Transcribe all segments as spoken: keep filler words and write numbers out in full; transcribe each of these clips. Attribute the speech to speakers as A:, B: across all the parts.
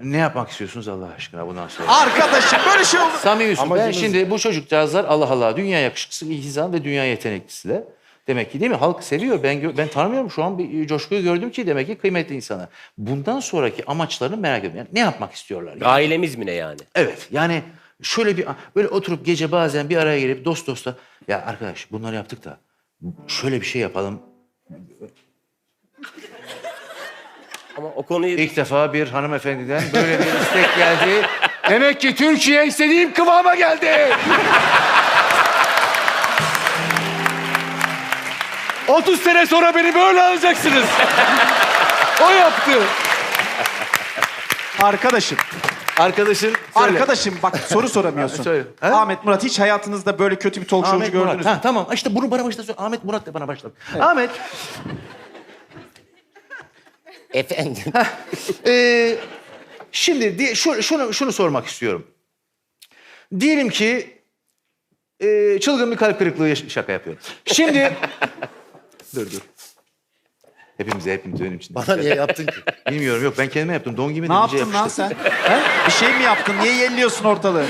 A: Ne yapmak istiyorsunuz Allah aşkına bundan sonra?
B: Arkadaşım böyle şey olur.
A: Samimi ben
C: Amacımız-
A: şimdi bu çocukcağızlar Allah Allah dünya yakışıklısı, ilhizam ve dünya yeteneklisi de. Demek ki değil mi? Halk seviyor. Ben gö- ben tanımıyorum şu an bir coşkuyu gördüm ki demek ki kıymetli insana. Bundan sonraki amaçlarını merak ediyorum. Yani ne yapmak istiyorlar? Yani?
D: Ailemiz mi ne yani?
A: Evet. Yani şöyle bir böyle oturup gece bazen bir araya gelip dost dosta ya arkadaş bunları yaptık da şöyle bir şey yapalım.
D: Ama o konuyu...
A: İlk defa bir hanımefendiden böyle bir istek geldi. Demek ki Türkiye istediğim kıvama geldi. otuz sene sonra beni böyle alacaksınız. O yaptı.
B: Arkadaşım.
A: Arkadaşın söyle.
B: Arkadaşım bak soru soramıyorsun.
A: Söyle. Ha?
B: Ahmet Murat hiç hayatınızda böyle kötü bir talk showcu
A: Ahmet
B: gördünüz
A: Murat.
B: mü?
A: Ha, tamam işte bunu bana başla söyle. Ahmet Murat de bana başla. Ahmet.
D: Efendim.
A: Ee, şimdi di- şu, şunu, şunu sormak istiyorum. Diyelim ki e, çılgın bir kalp kırıklığı yaş- şaka yapıyorum. Şimdi dur dur. Hepimize hepimiz benim için.
C: Bana niye yaptın ki?
A: Bilmiyorum yok ben kendime yaptım. Don gibi de
B: Ne
A: iyice
B: yaptın lan
A: yapıştı.
B: sen? He? Bir şey mi yaptın? Niye yelliyorsun ortalığı?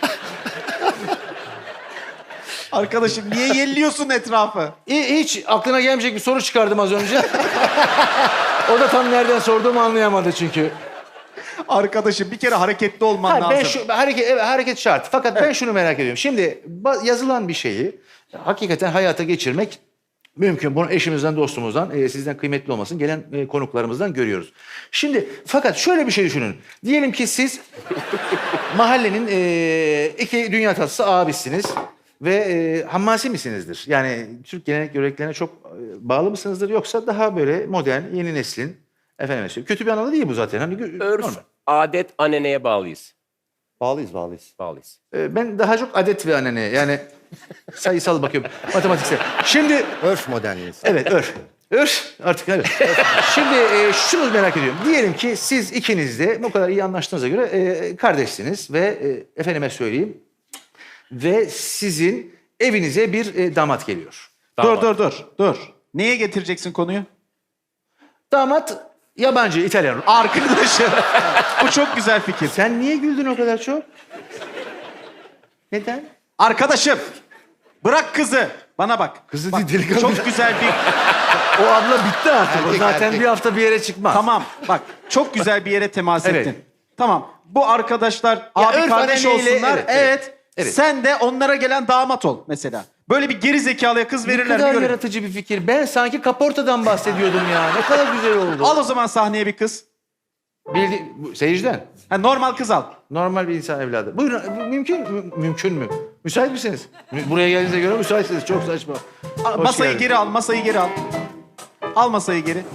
B: Arkadaşım niye yelliyorsun etrafı?
A: Hi- Hiç aklına gelmeyecek bir soru çıkardım az önce. O da tam nereden sorduğumu anlayamadı çünkü.
B: Arkadaşım bir kere hareketli olman
A: Hayır,
B: lazım.
A: ben şu hareket evet, hareket şart. Fakat ben şunu merak ediyorum. Şimdi ba- yazılan bir şeyi hakikaten hayata geçirmek mümkün. Bunu eşimizden, dostumuzdan, e, sizden kıymetli olmasın gelen e, konuklarımızdan görüyoruz. Şimdi fakat şöyle bir şey düşünün. Diyelim ki siz mahallenin e, iki dünya tatlısı abisiniz ve e, hammasi misinizdir? Yani Türk gelenek göreneklerine çok e, bağlı mısınızdır yoksa daha böyle modern, yeni neslin efendim söyleyeyim. Kötü bir anlamda değil bu zaten. Hani gö-
D: Örf,
A: normal.
D: adet, aneneye bağlıyız.
C: Bağlıyız bağlıyız.
D: Bağlıyız.
A: Ee, Ben daha çok adet ve anane yani sayısal bakıyorum matematiksel. Şimdi
C: Örf modernliyiz.
A: evet örf. Örf artık evet. Şimdi e, şunu merak ediyorum. Diyelim ki siz ikiniz de bu kadar iyi anlaştığınıza göre e, kardeşsiniz ve e, efendime söyleyeyim ve sizin evinize bir e, damat geliyor.
D: Damat.
B: Dur dur dur dur. Neye getireceksin konuyu?
A: Damat yabancı, İtalyan.
B: Arkadaşım. Bu çok güzel fikir.
A: Sen niye güldün o kadar çok? Neden?
B: Arkadaşım. Bırak kızı. Bana bak.
A: Kızı
B: Bak,
A: değil, delikanlı.
B: Çok güzel bir...
A: O abla bitti artık. o
C: Erkek,
A: zaten
C: erkek.
A: bir hafta bir yere çıkmaz.
B: Tamam bak çok güzel bir yere temas
A: Evet.
B: ettin. Tamam bu arkadaşlar abi
A: örf
B: kardeş
A: aneneyle-
B: olsunlar.
A: evet,
B: Evet,
A: evet. Evet.
B: Sen de onlara gelen damat ol mesela. Böyle bir geri zekalıya kız
A: Ne
B: verirler.
A: kadar
B: bir görelim.
A: yaratıcı bir fikir. Ben sanki kaportadan bahsediyordum ya. Ne kadar güzel oldu.
B: Al o zaman sahneye bir kız.
A: Bildi, bu- seyirciden.
B: Ha, normal kız al.
A: Normal bir insan evladı. Buyurun. bu Mümkün mü? Mümkün mü? Müsait misiniz? Mü- Buraya geldiğinize göre müsaitsiniz. Çok saçma.
B: Al,
A: Hoş
B: masayı
A: geldin.
B: geri al, masayı geri al. Al masayı geri.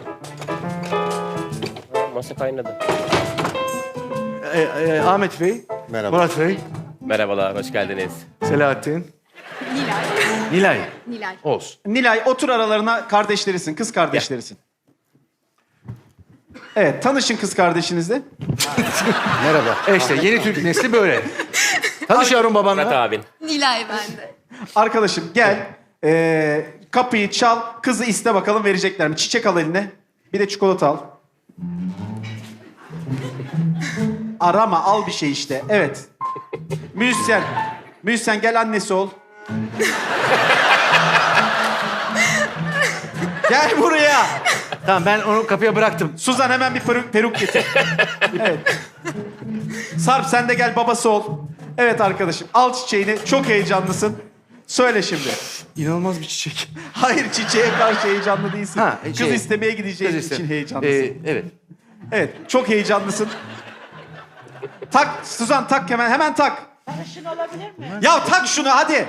D: Masa kaynadı.
A: Ee, e, Ahmet Bey.
C: Merhaba.
A: Murat Bey.
D: Merhabalar, hoş geldiniz.
A: Selahattin.
E: Nilay.
A: Nilay.
E: Nilay.
A: Olsun.
B: Nilay otur aralarına kardeşlerisin, kız kardeşlerisin. Evet, tanışın kız kardeşinizle.
C: Merhaba.
A: E işte yeni Türk nesli böyle. Tanış yavrum
D: Murat
A: babanla.
D: abin.
E: Nilay bende.
B: Arkadaşım gel. Ee, kapıyı çal, kızı iste bakalım verecekler mi? Çiçek al eline. Bir de çikolata al. Arama, al bir şey işte. Evet. Müzisyen. Müzisyen gel annesi ol. Gel buraya.
A: Tamam ben onu kapıya bıraktım.
B: Suzan hemen bir peruk, peruk getir. Evet. Sarp sen de gel babası ol. Evet arkadaşım al çiçeğini. Çok heyecanlısın. Söyle şimdi.
A: İnanılmaz bir çiçek.
B: Hayır çiçeğe karşı heyecanlı değilsin.
A: Ha,
B: Kız
A: şey-
B: istemeye gideceğin
A: Kız iste-
B: için heyecanlısın.
A: Ee, evet.
B: Evet çok heyecanlısın. Tak Suzan tak hemen hemen tak.
F: Sarışın olabilir mi?
B: Ya tak şunu hadi.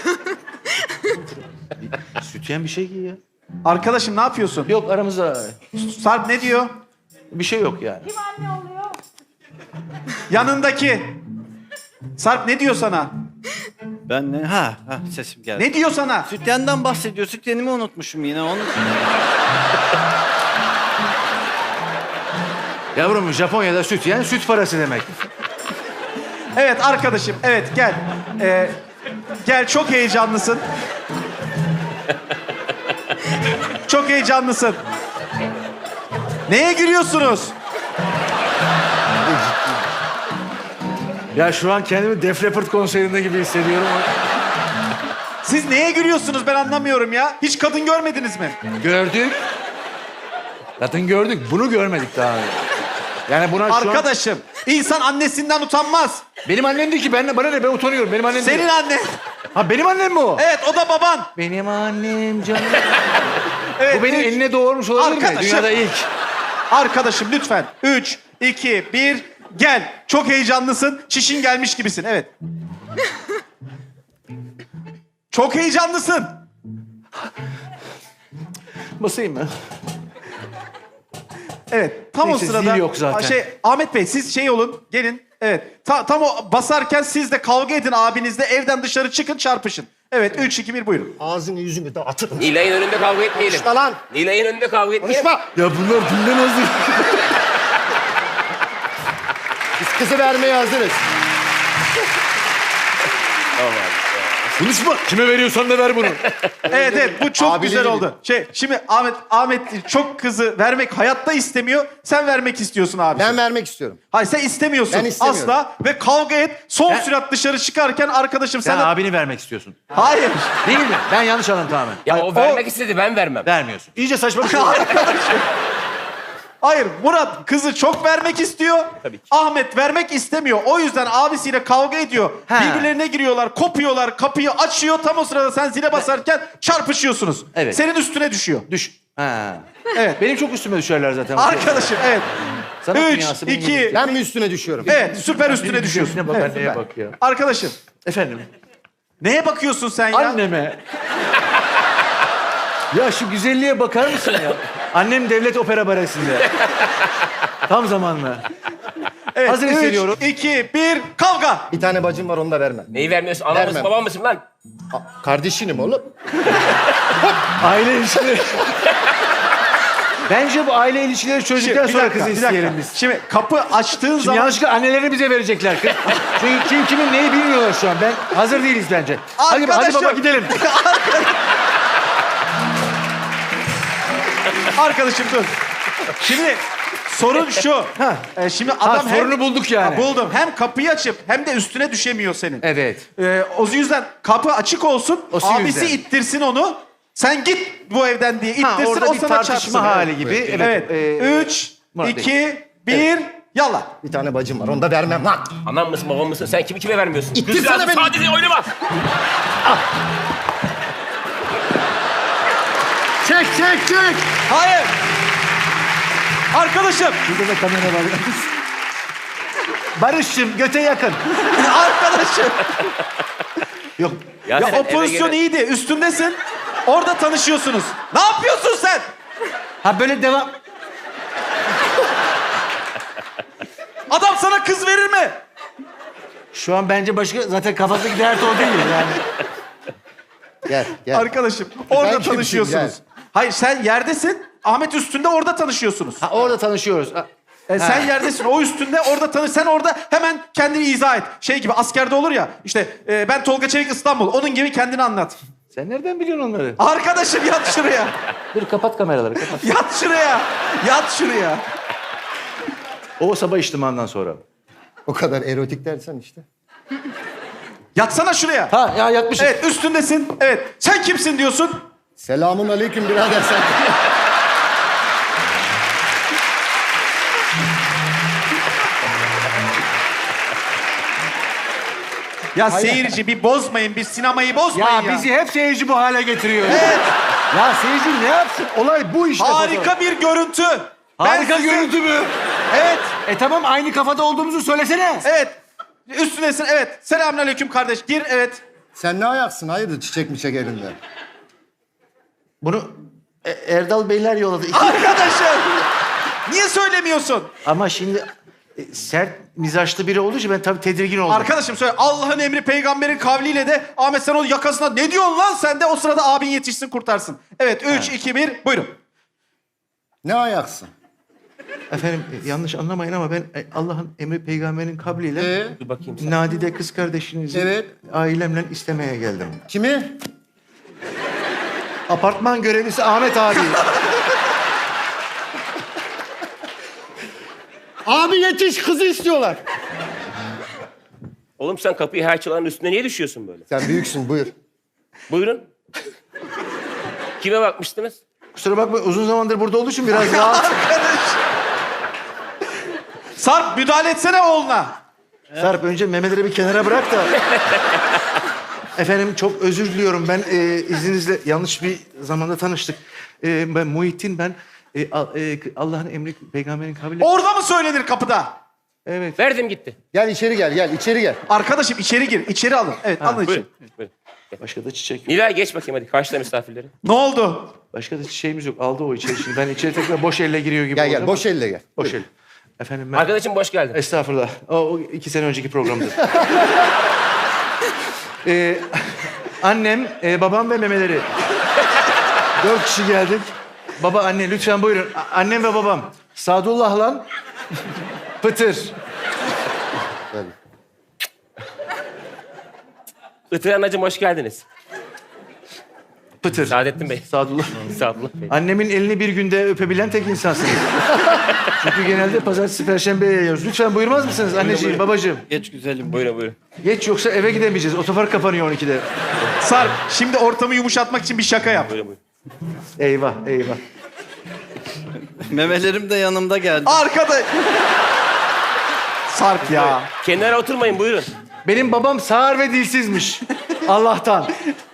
A: Sütyen bir şey giy ya.
B: Arkadaşım ne yapıyorsun?
A: Yok aramızda
B: Sarp ne diyor?
A: bir şey yok yani.
F: Kim anne oluyor?
B: Yanındaki. Sarp ne diyor sana?
G: Ben ne? Ha, ha sesim geldi.
B: Ne diyor sana?
G: Sütyen'den bahsediyor. Sütyenimi unutmuşum yine. Onu...
A: Yavrum Japonya'da sütyen süt parası demek.
B: Evet arkadaşım evet gel. Ee, gel çok heyecanlısın. Çok heyecanlısın. Neye gülüyorsunuz?
A: Ya şu an kendimi Def Leppard konserinde gibi hissediyorum.
B: Siz neye gülüyorsunuz ben anlamıyorum ya. Hiç kadın görmediniz mi?
A: Gördük. Zaten gördük. Bunu görmedik daha önce. Yani buna şu an...
B: Arkadaşım, insan annesinden utanmaz.
A: Benim annem değil ki. Ben, bana ne? Ben utanıyorum. Benim annem
B: Senin
A: değil.
B: annen.
A: Ha benim annem mi o?
B: Evet, o da baban.
A: Benim annem canım.
B: Evet,
A: Bu benim
B: üç.
A: eline doğurmuş olabilir mi?
B: Arkadaşım.
A: Dünyada ilk.
B: Arkadaşım lütfen. Üç, iki, bir, gel. Çok heyecanlısın. Çişin gelmiş gibisin. Evet. Çok heyecanlısın.
A: Basayım mı?
B: Evet. Tam
A: Neyse,
B: o sırada.
A: zil yok zaten.
B: Şey, Ahmet Bey siz şey olun. Gelin. Evet. Ta- tam o basarken siz de kavga edin abinizle. Evden dışarı çıkın çarpışın. Evet. Üç, iki, bir buyurun.
C: Ağzını yüzünü de atırım.
D: Nilay'ın önünde kavga etmeyelim.
C: Konuşma lan.
D: Nilay'ın önünde kavga etmeyelim.
C: Konuşma.
A: Ya bunlar dinlemez değil.
C: Biz kızı vermeye hazırız.
D: Tamam abi.
A: Konuşma. Kime veriyorsan da ver bunu.
B: Evet evet bu çok
C: Abiliğini
B: güzel
C: bil.
B: oldu. Şey şimdi Ahmet Ahmet çok kızı vermek hayatta istemiyor. Sen vermek istiyorsun abi.
C: Ben vermek istiyorum.
B: Hayır sen istemiyorsun
C: Ben istemiyorum.
B: asla ve kavga et. Son
A: Ben-
B: sürat dışarı çıkarken arkadaşım
A: Sen
B: sana...
A: abini vermek istiyorsun.
B: Hayır.
A: Değil mi? Ben yanlış anladım tamamen.
D: Ya
B: Hayır,
D: o
B: o-
D: vermek istedi ben vermem.
A: Vermiyorsun. İyice saçma bir şey.
B: Hayır Murat kızı çok vermek istiyor.
D: Tabii ki.
B: Ahmet vermek istemiyor. O yüzden abisiyle kavga ediyor.
A: Ha.
B: Birbirlerine giriyorlar, kopuyorlar, kapıyı açıyor. Tam o sırada sen zile basarken çarpışıyorsunuz.
A: Evet.
B: Senin üstüne düşüyor.
A: Düş. Ha.
B: Evet.
A: Benim çok üstüme düşerler zaten.
B: Arkadaşım evet.
A: Sanat
B: Üç,
A: dünyası benim
B: iki,
A: gibi.
C: Ben mi üstüne düşüyorum?
B: evet süper üstüne düşüyorsun.
A: Üstüne bak,
B: Evet,
A: anneye
B: süper.
A: bak ya.
B: Arkadaşım
A: Efendim?
B: neye bakıyorsun sen ya?
A: Anneme. Ya şu güzelliğe bakar mısın ya? Annem devlet opera baresinde. Tam zamanlı.
B: Evet,
A: Hazır
B: üç,
A: hissediyorum.
B: iki, bir, kavga.
C: Bir tane bacım var onu da vermem.
D: Neyi vermiyorsun? Ana
C: Vermem.
D: mısın babam mısın lan?
C: A- kardeşinim oğlum.
A: Aile ilişkileri. Bence bu aile ilişkileri çözdükten
B: Bir
A: sonra
B: dakika,
A: kızı
B: bir dakika.
A: isteyelim biz.
B: Şimdi kapı açtığın
A: Şimdi
B: zaman...
A: yanlışlıkla anneleri bize verecekler kız. Çünkü kim kimin neyi bilmiyorlar şu an. Ben hazır değiliz bence. Hadi, hadi
B: Arkadaşım.
A: baba gidelim.
B: Arkadaşım dur. Şimdi sorun şu. Ee, şimdi adam hem...
A: sorunu bulduk yani.
B: Ha, buldum. Hem kapıyı açıp hem de üstüne düşemiyor senin.
A: Evet.
B: Ee, o yüzden kapı açık olsun.
A: O
B: abisi
A: yüzden.
B: ittirsin onu. Sen git bu evden diye ittirsin.
A: Ha, orada
B: o
A: bir
B: sana
A: tartışma
B: çarpsın.
A: hali
B: Evet.
A: gibi. Evet.
B: Evet.
A: Ee,
B: Üç,
A: Murat Bey.
B: iki, bir, yallah.
C: Bir tane bacım var onu da vermem lan.
D: Anam mısın babam mısın? Sen kimi kime vermiyorsun?
C: İttirsene
D: Kızcağızı
C: beni.
D: sadece oynama.
C: Çek çek çek.
B: Hayır. Arkadaşım.
A: Burada da kamera var. Barış'cığım göte yakın.
B: Arkadaşım.
A: Yok.
B: Ya
D: sen
B: o
D: eve
B: pozisyon
D: gele-
B: iyiydi. Üstündesin. Orada tanışıyorsunuz. Ne yapıyorsun sen?
A: Ha böyle devam.
B: Adam sana kız verir mi?
A: Şu an bence başka zaten kafasındaki dert o değil yani.
C: Gel gel.
B: Arkadaşım orada
C: kimsin
B: tanışıyorsunuz.
C: ya?
B: Hayır sen yerdesin. Ahmet üstünde orada tanışıyorsunuz.
A: Ha orada tanışıyoruz. Ha,
B: E, sen yerdesin o üstünde orada tanış. Sen orada hemen kendini izah et. Şey gibi askerde olur ya. İşte e, ben Tolga Çevik İstanbul. Onun gibi kendini anlat.
A: Sen nereden biliyorsun onları?
B: Arkadaşım yat şuraya.
A: Dur kapat kameraları kapat.
B: Yat şuraya. Yat şuraya.
A: O sabah içtimandan sonra.
C: O kadar erotik dersen işte.
B: Yatsana şuraya.
A: Ha ya yatmışız.
B: Evet üstündesin. Evet. Sen kimsin diyorsun?
C: Selamun aleyküm birader sen.
B: Ya seyirci bir bozmayın. Bir sinemayı bozmayın ya.
A: Ya bizi hep seyirci bu hale getiriyor. Evet. Ya seyirci ne yapsın? Olay bu işte.
B: Harika bir görüntü. Ben
A: Harika
B: size-
A: görüntü mü?
B: Evet.
A: E tamam aynı kafada olduğumuzu söylesene.
B: Evet. Üstündesin. Evet. Selamünaleyküm kardeş. Gir. Evet.
C: Sen ne ayaksın hayırdır çiçek miçek elinde.
A: Bunu e, Erdal Beyler yolladı.
B: Arkadaşım. Niye söylemiyorsun?
A: Ama şimdi e, sert mizaçlı biri olduğu için ben tabii tedirgin oldum.
B: Arkadaşım söyle. Allah'ın emri peygamberin kavliyle de Ahmet sen o yakasına ne diyorsun lan sen de o sırada abin yetişsin kurtarsın. Evet. Üç, iki, bir. Buyurun.
C: Ne ayaksın?
A: Efendim e, yanlış anlamayın ama ben e, Allah'ın emri peygamberin kabliyle
C: Ee,
D: Dur bakayım sen.
A: Nadide kız kardeşinizi
C: Evet.
A: ailemle istemeye geldim.
C: kimi?
A: Apartman görevlisi Ahmet abi.
C: Abi yetiş kızı istiyorlar.
D: Oğlum sen kapıyı her çalanın üstüne niye düşüyorsun böyle?
C: Sen büyüksün buyur.
D: Buyurun. Kime bakmıştınız?
A: Kusura bakma uzun zamandır burada olduğu için biraz rahat.
B: Sarp müdahale etsene oğluna.
A: Sarp önce memeleri bir kenara bırak da. Efendim çok özür diliyorum. Ben e, izninizle yanlış bir zamanda tanıştık. E, ben Muhittin ben. E, Al- e, Allah'ın emri peygamberin kavli.
B: Orada mı söylenir kapıda?
A: Evet.
D: Verdim gitti.
C: Gel içeri gel gel içeri gel.
B: Arkadaşım içeri gir. İçeri alın. Evet alın içeri.
D: Buyurun. Buyurun.
A: Başka da çiçek yok.
D: Nilay geç bakayım hadi. Karşıla misafirleri.
B: Ne oldu?
A: Başka da çiçeğimiz yok. Aldı o içeri. Şimdi ben içeri tekrar boş elle giriyor gibi
C: Gel
A: oldu
C: gel
A: ama-
C: boş elle gel.
A: Boş el. Efendim ben...
D: Arkadaşım boş geldin.
A: Estağfurullah. O, o iki sene önceki programdı. Ee, annem, e, babam ve memeleri. Dört kişi geldik. Baba, anne lütfen buyurun. A- annem ve babam. Sadullah lan. Pıtır.
C: Tabii.
D: Itır anacığım hoş geldiniz.
A: Pıtır.
D: Saadettin Bey.
A: Sadullah.
D: Sadullah Bey.
A: Annemin elini bir günde öpebilen tek insansınız. Çünkü genelde pazartesi, perşembeye yayıyoruz. Lütfen buyurmaz mısınız anneciğim, babacığım?
G: Geç güzelim.
D: Buyurun buyurun.
A: Geç yoksa eve gidemeyeceğiz. Otopark kapanıyor on ikide.
B: Sarp şimdi ortamı yumuşatmak için bir şaka yap.
D: Buyurun buyurun.
A: Eyvah, eyvah.
G: Memelerim de yanımda geldi.
B: Arkada... Sarp ya.
D: Kenara oturmayın buyurun.
A: Benim babam sağır ve dilsizmiş. Allah'tan.